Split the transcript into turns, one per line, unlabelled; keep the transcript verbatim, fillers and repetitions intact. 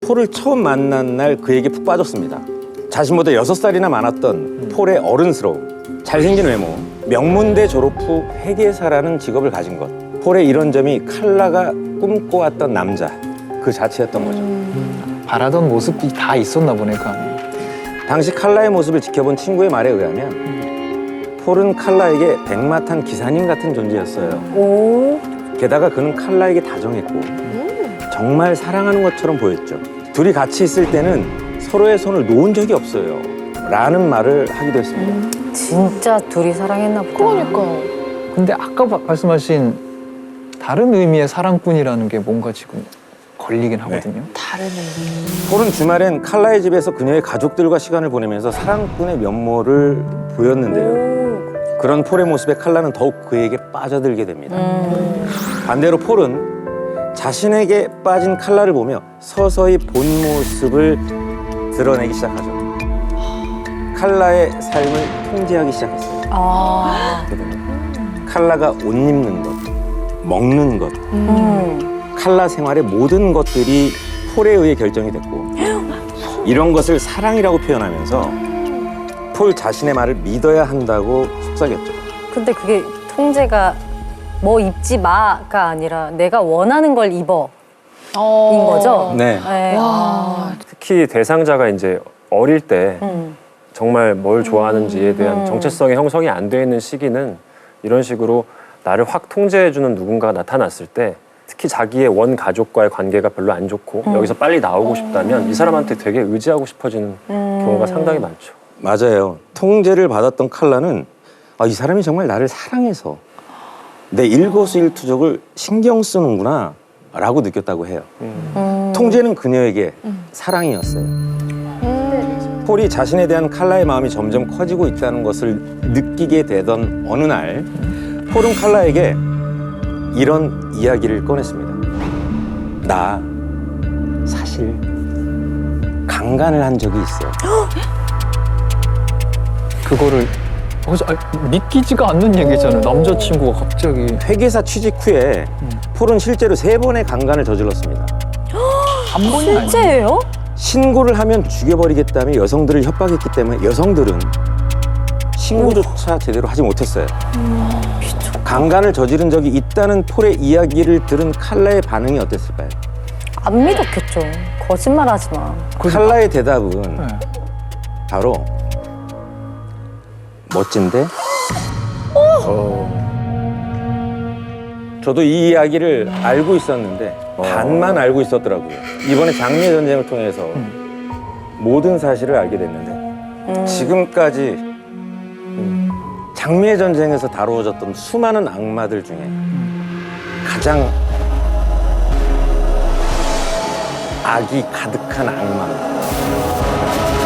폴을 처음 만난 날 그에게 푹 빠졌습니다. 자신보다 여섯 살이나 많았던
음.
폴의 어른스러움, 잘생긴 외모, 명문대 졸업 후 회계사라는 직업을 가진 것. 폴의 이런 점이 칼라가 꿈꿔왔던 남자 그 자체였던 거죠.
음. 바라던 모습이 다 있었나 보네 그 안에.
당시 칼라의 모습을 지켜본 친구의 말에 의하면 폴은 칼라에게 백마탄 기사님 같은 존재였어요.
오.
게다가 그는 칼라에게 다정했고 정말 사랑하는 것처럼 보였죠. 둘이 같이 있을 때는 서로의 손을 놓은 적이 없어요 라는 말을 하기도 했습니다.
음. 진짜 둘이 사랑했나 보다.
그러니까.
근데 아까 바- 말씀하신 다른 의미의 사랑꾼이라는 게 뭔가 지금 걸리긴 하거든요.
다른 의미.
폴은 주말엔 칼라의 집에서 그녀의 가족들과 시간을 보내면서 사랑꾼의 면모를 보였는데요. 그런 폴의 모습에 칼라는 더욱 그에게 빠져들게 됩니다.
음.
반대로 폴은 자신에게 빠진 칼라를 보며 서서히 본 모습을 드러내기 시작하죠. 칼라의 삶을 통제하기 시작했어요.
아.
칼라가 옷 입는 것, 먹는 것,
음.
칼라 생활의 모든 것들이 폴에 의해 결정이 됐고 이런 것을 사랑이라고 표현하면서 폴 자신의 말을 믿어야 한다고 속삭였죠.
근데 그게 통제가 뭐 입지 마가 아니라 내가 원하는 걸 입어.
어.
인 거죠?
네.
네.
와.
특히 대상자가 이제 어릴 때
음.
정말 뭘 좋아하는지에 대한
음.
정체성이 형성이 안 돼 있는 시기는 이런 식으로 나를 확 통제해주는 누군가가 나타났을 때 특히 자기의 원 가족과의 관계가 별로 안 좋고
음.
여기서 빨리 나오고 싶다면 이 사람한테 되게 의지하고 싶어지는
음.
경우가 상당히 많죠.
맞아요. 통제를 받았던 칼라는 아, 이 사람이 정말 나를 사랑해서 내 일거수일투족을 신경 쓰는구나 라고 느꼈다고 해요.
음.
통제는 그녀에게 사랑이었어요. 폴이 자신에 대한 칼라의 마음이 점점 커지고 있다는 것을 느끼게 되던 어느 날 폴은 칼라에게 이런 이야기를 꺼냈습니다. 나 사실 강간을 한 적이 있어.
그거를 어, 저, 아, 믿기지가 않는 얘기잖아요. 남자친구가 갑자기.
회계사 취직 후에 폴은 실제로 세 번의 강간을 저질렀습니다.
한 번이 아니에요.
실제예요?
신고를 하면 죽여버리겠다며 여성들을 협박했기 때문에 여성들은 신고조차 제대로 하지 못했어요. 강간을 저지른 적이 있다는 폴의 이야기를 들은 칼라의 반응이 어땠을까요?
안 믿었겠죠. 거짓말하지 마.
칼라의 대답은
네.
바로 멋진데?
어,
저도 이 이야기를 알고 있었는데
어.
반만 알고 있었더라고요. 이번에 장미의 전쟁을 통해서 모든 사실을 알게 됐는데
음.
지금까지 장미의 전쟁에서 다루어졌던 수많은 악마들 중에 가장 악이 가득한 악마